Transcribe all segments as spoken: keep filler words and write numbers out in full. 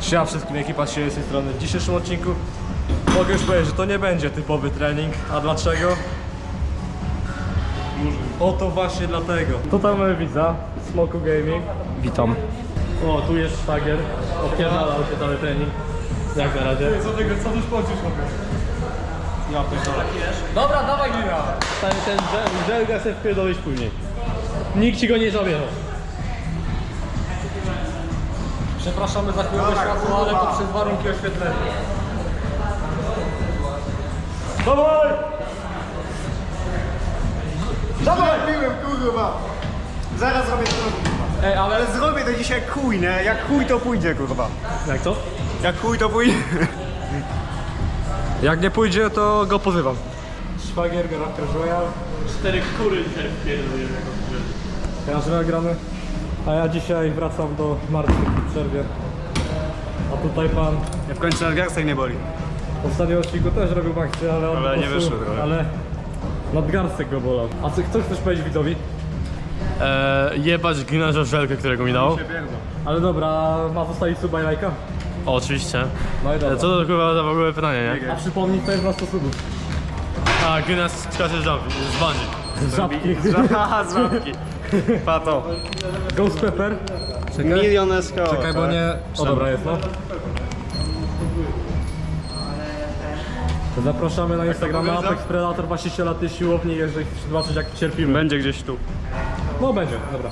Siema wszystkim, ekipa się z tej strony. W dzisiejszym odcinku mogę już powiedzieć, że to nie będzie typowy trening. A dlaczego? Oto właśnie dlatego. To tam mamy widza, Smoku Gaming. Witam. O, tu jest szwagier. Opierdalał się cały trening. Jak na razie? Co ty, co już płacisz? Ja pierdolę. Dobra, dawaj Glina. Ten, ten żelga sobie wpierdolisz później. Nikt ci go nie zabierze. Przepraszamy za chwilę światło, ale to przez warunki oświetlenia. Dawaj! Dawaj! Piłem, kurwa! Zaraz zrobię to, kurwa. Ej, ale... Ale zrobię to dzisiaj jak chuj, nie? Jak chuj to pójdzie, kurwa. Jak to? Jak chuj to pójdzie. Jak nie pójdzie, to go pozywam. Szwagier, Raptor Royal. Cztery kury dzisiaj wpierdolimy. Każdy gramy. A ja dzisiaj wracam do martwych w przerwie. A tutaj pan Ja w końcu nadgarstek nie boli. w ostatnim odcinku też robił akcję, ale on Ale nie po prostu- wyszło trochę. Ale nadgarstek go bolał. A co, co chcesz powiedzieć widzowi? Eee, jebać Glina za żelkę, którego mi dał. Ale dobra, ma zostawić suba i lajka? O, oczywiście. No i dobra. Co to kurwa za w ogóle pytanie, nie? A przypomnij, to jest na sto subów. A, Glina skacze z żabki, z bungee. Żabki. Haha, z łapki. Pato. Ghost Pepper. Milion S K O. Czekaj, bo nie... O, dobra jest, no. Zapraszamy na Instagrama Apex Predator, właściciela tej siłowni, jeżeli chcesz zobaczyć jak cierpimy. Będzie gdzieś tu. No będzie, dobra.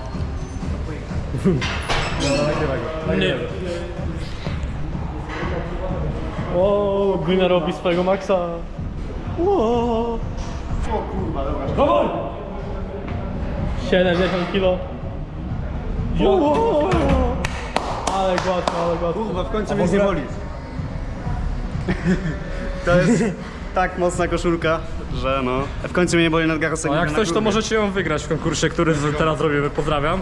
Dobra, nagrywaj go. Nie. O, Glina robi swojego maksa. O, Dawaj! siedemdziesiąt kilo. O, ale gładko, ale gładko. Kurwa, w końcu A mnie w nie ogóle- boli. To jest tak mocna koszulka, że no. W końcu mnie nie boli nadgarstek. A jak na coś, to kurwie. możecie ją wygrać w konkursie, który z- teraz robimy. Pozdrawiam.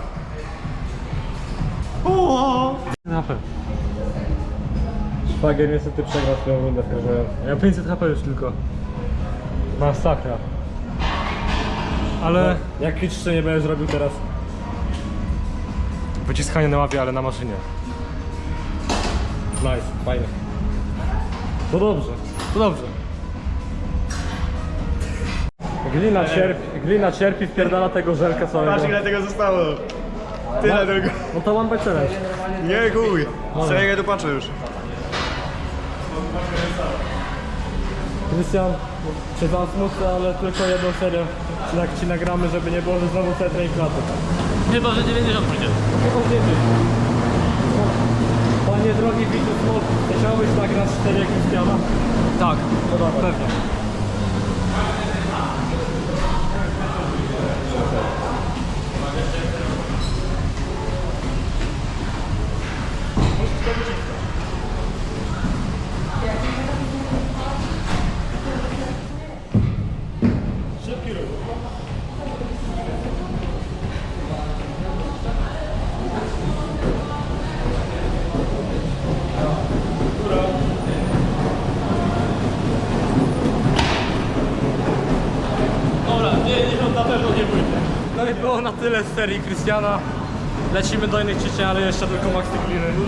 Szwagier niestety przegrał swoją rundę w Krażowie. Ja pięćset H P już tylko. Masakra. Ale jak liczysz, nie będziesz robił teraz? Wyciskanie na łapie, ale na maszynie. Nice, fajnie. To dobrze, to dobrze. Glina cierpi, glina cierpi, wpierdala tego żelka całego. Patrz ile tego zostało. Tyle tego. No to one by challenge. Nie chuj. Serio, ja tu patrzę już. Krystian, czy wam smutno, ale tylko jedną serię jak ci nagramy, żeby nie było, że znowu całe trening klaty. Chyba, że dziewięćdziesiąt pójdzie. Panie drogi widzu Smok, chciałbyś nagrać cztery jak Krystiana? Tak, No dobra. pewnie. Dobra, dziewięćdziesiąt na pewno nie pójdzie. No i było na tyle z serii Krystiana. Lecimy do innych ćwiczeń, ale jeszcze tylko max gliny.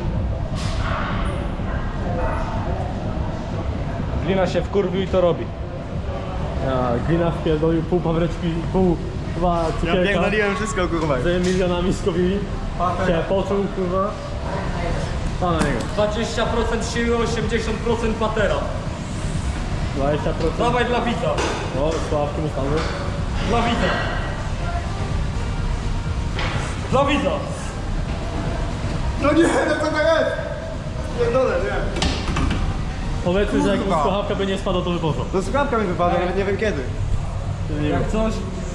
Glina się wkurwił i to robi. Ja, glina wpierdolił pół pawreczki, pół chyba Ja cukierka. pierdoliłem wszystko, kurwa. Z milionami skowili. Się poczuł, kurwa. Pa na niego. dwadzieścia procent siły, osiemdziesiąt procent patera. dwadzieścia procent. Dawaj dla widza. O, sławki mu stanu. Dla widza. Dla widza. No nie, no co to jest? Pierdolę, nie. Powiedzmy, że jak Kurwa. słuchawka by nie spadła, to by poszło. No słuchawka mi wypadła, nawet nie wiem kiedy. Jak coś,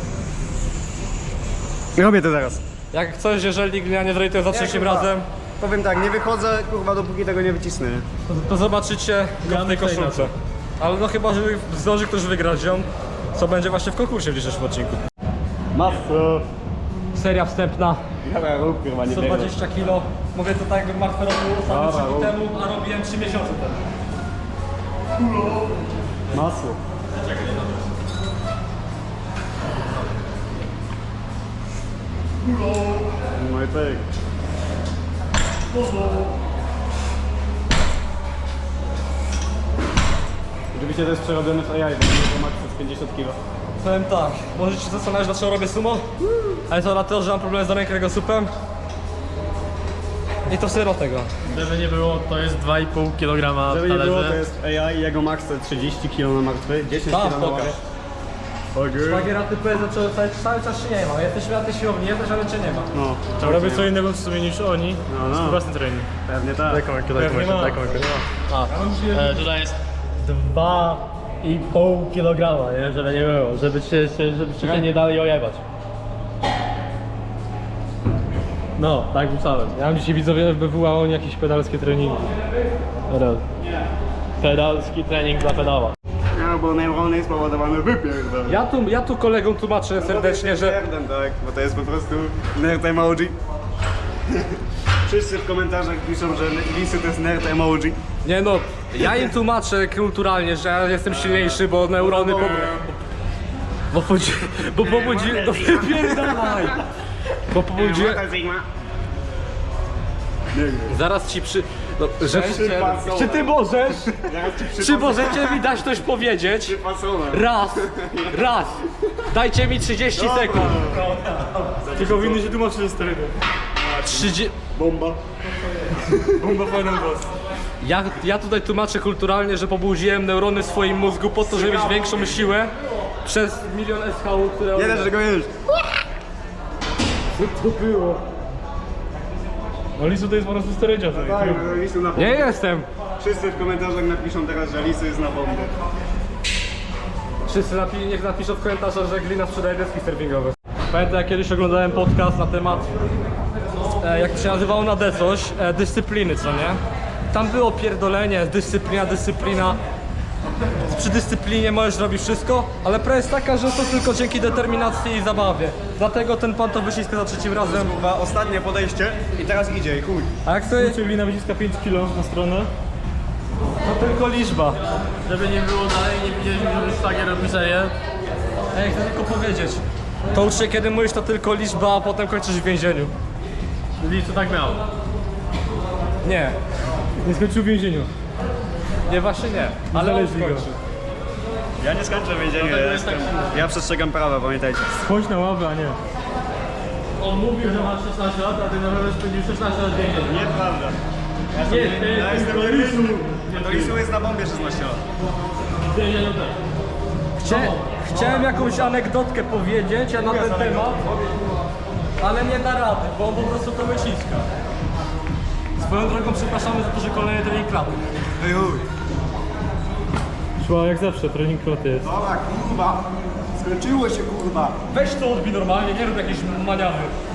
Robię to zaraz. jak coś, jeżeli glina nie zrejtuje za trzecim kurwa. razem, Powiem tak, nie wychodzę, kurwa, dopóki tego nie wycisnę, nie? to, to zobaczycie go w tej myślę koszulce. Ale no chyba, że zdąży ktoś wygrać ją, co będzie właśnie w konkursie w dzisiejszym odcinku. Maso. Seria wstępna, Dobra, rób, kurwa, nie sto dwadzieścia kilo. Mówię to tak, jakbym martwy robił ostatnio trzy dni temu, a robiłem trzy miesiące temu. Masło. No i pyk. Oczywiście to jest przerobione w A I, bo to max jest pięćdziesiąt kilo. Powiem tak, możecie się zastanawiać, dlaczego robię sumo, ale to dlatego, że mam problem z rękręgosłupem i to syro tego. Żeby nie było, to jest dwa i pół kilograma w Żeby nie było, to talerze. jest A I i jego max to trzydzieści kilo na martwy, dziesięć Tam, kilo na pokaż. martwy. Szwagiera typu zaczął cały, cały czas się nie ma. Jesteśmy na tej siłowni, jesteś, ale cię nie ma. No, Robię co innego w sumie niż oni. No, no. Własny trening. pewnie tak. Taką jaką, Pewnie ma. taką jaką. A, e, tutaj jest dwa i pół kilograma, nie? Żeby nie było, żeby cię, się- żebyście się nie dali ojebać. No, tak myślałem. Ja mam dzisiaj widzowie B W A, oni jakieś pedalskie treningi. Teraz. Pedalski trening dla pedała. No, bo neurony jest spowodowany wypierdol. Ja tu, ja tu kolegom tłumaczę serdecznie, że Nerdem, tak, bo to jest po prostu nerd emoji. Wszyscy w komentarzach piszą, że Lisy to jest nerd emoji. nie no, ja im tłumaczę kulturalnie, że ja jestem silniejszy, bo neurony po... Bo pobudzi... Bo pobudzi... No wypierdalaj! Bo pobudzi... Sigma. Nie wiem. Zaraz ci przy... No, że... Przypasować. Czy ty możesz? Zaraz ci Czy przypasować. możecie mi dać coś powiedzieć? Przypasować. Raz! Raz! Dajcie mi trzydzieści sekund! Tylko winny się tłumaczyć sterydy. trzydzieści... Bomba. Bomba final boss. Ja, ja tutaj tłumaczę kulturalnie, że pobudziłem neurony w swoim mózgu po to, żeby mieć większą siłę przez milion S H U, które... Nie da, że go już. Co to było? No Lisu to jest po prostu sterydziarz. Tak, no Lisu na Nie bombie. jestem! Wszyscy w komentarzach napiszą teraz, że Lisu jest na bombie. Wszyscy napi niech napiszą w komentarzach, że Glina sprzedaje deski surfingowe. Pamiętam, jak kiedyś oglądałem podcast na temat, e, jak to się nazywało na D coś, e, dyscypliny, co nie? Tam było pierdolenie, dyscyplina, dyscyplina. Przy dyscyplinie możesz robić wszystko, ale prawda jest taka, że to tylko dzięki determinacji i zabawie. Dlatego ten pan to wyciska za trzecim razem. Kurwa, ostatnie podejście i teraz idzie i chuj. A jak sobie... Czyli Glina wyciska pięć kilo na stronę. To tylko liczba. Żeby nie było dalej, nie widzieliśmy, żeby szwagier robi serię. Ej, chcę tylko powiedzieć. To ucz się, kiedy mówisz, to tylko liczba, a potem kończysz w więzieniu. Lisu tak miał. Nie. Nie skończył w więzieniu. Nie, właśnie nie. Ale on Znaleźli go. skończy. Ja nie skończę w więzieniu, Dlatego ja, jest tak jestem, silny. ja przestrzegam prawa, pamiętajcie. Chodź na ławę, a nie. On mówił, że masz szesnaście lat, a ty naprawdę spędził szesnaście lat w więzieniu. Nieprawda. Nie, ty, Ja jestem do Lisu. Do Lisu jest na bombie szesnaście lat. w więzieniu też. Chcia, chciałem jakąś anegdotkę powiedzieć na ten temat, ale nie da rady, bo on po prostu to wyciska. Swoją drogą przepraszamy za to, że kolejny trening klaty. Ej, chuj. Szła jak zawsze, trening kloty jest. Dobra, kurwa. Skończyło się, kurwa. Weź to odbij normalnie, nie rób jakiejś maniawy.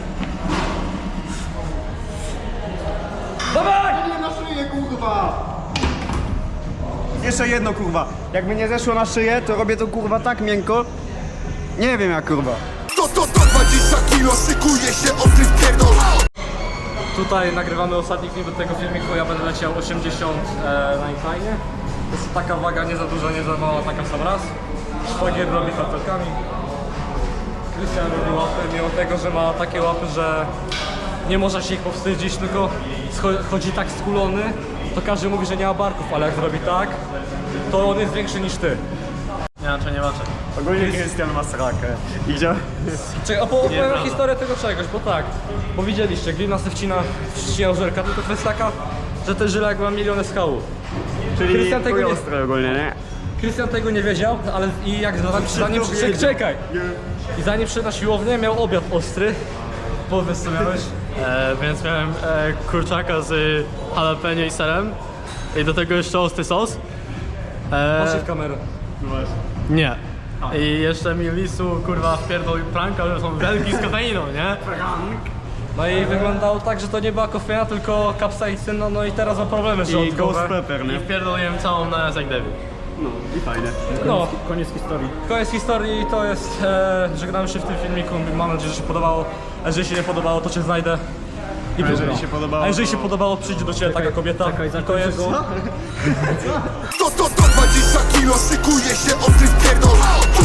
Dawaj! Nie na szyję, kurwa. Jeszcze jedno, kurwa. Jakby nie zeszło na szyję, to robię to, kurwa, tak miękko. Nie wiem jak, kurwa. To, to, to dwadzieścia kilo, szykuje się ostry wpierdol. Tutaj nagrywamy ostatni film do tego filmiku, ja będę leciał osiemdziesiąt e, na incline. To jest taka waga nie za duża, nie za mała, taka w sam raz. Szwagier robi kartelkami. Krystian robi łapy, mimo tego, że ma takie łapy, że nie można się ich powstydzić, tylko scho- chodzi tak skulony, to każdy mówi, że nie ma barków, ale jak zrobi tak, to on jest większy niż ty. Inaczej nie macie. Ogólnie Krystian ma srakę. I gdzie? Czekaj, opo- opowiem Nieprawda. historię tego czegoś, bo tak, bo widzieliście, Glina se wcina, wcinał żelka, tylko kwestia taka, że ten żylak ma miliony skałów. Czyli Krystian tego nie- ostro ogólnie, nie? Krystian tego nie wiedział, ale i jak zanim, zanim przyszedł, czekaj! I zanim przyszedł na siłownię, miał obiad ostry. Powiedz co miałeś? E, więc miałem e, kurczaka z jalapeno i serem. I do tego jeszcze ostry sos. Patrzcie E, w kamerę. nie. I jeszcze mi Lisu kurwa wpierdolił pranka, że są wielki z kofeiną, nie? No i wyglądało tak, że to nie była kofeina, tylko kapsaicyna, no i teraz ma problemy I żołądkowe. ghost pepper, I nie? wpierdoliłem całą na jak debil. No, i fajne. No, Koniec historii. koniec historii i to jest, e, żegnamy się w tym filmiku, mam nadzieję, że się podobało. A jeżeli się nie podobało, to cię znajdę. I A jeżeli pozdro. się podobało, A jeżeli to- się podobało, przyjdzie do ciebie taka kobieta. I to jest... To, to, to dwadzieścia kilo, szykuje się ostry wpierdol.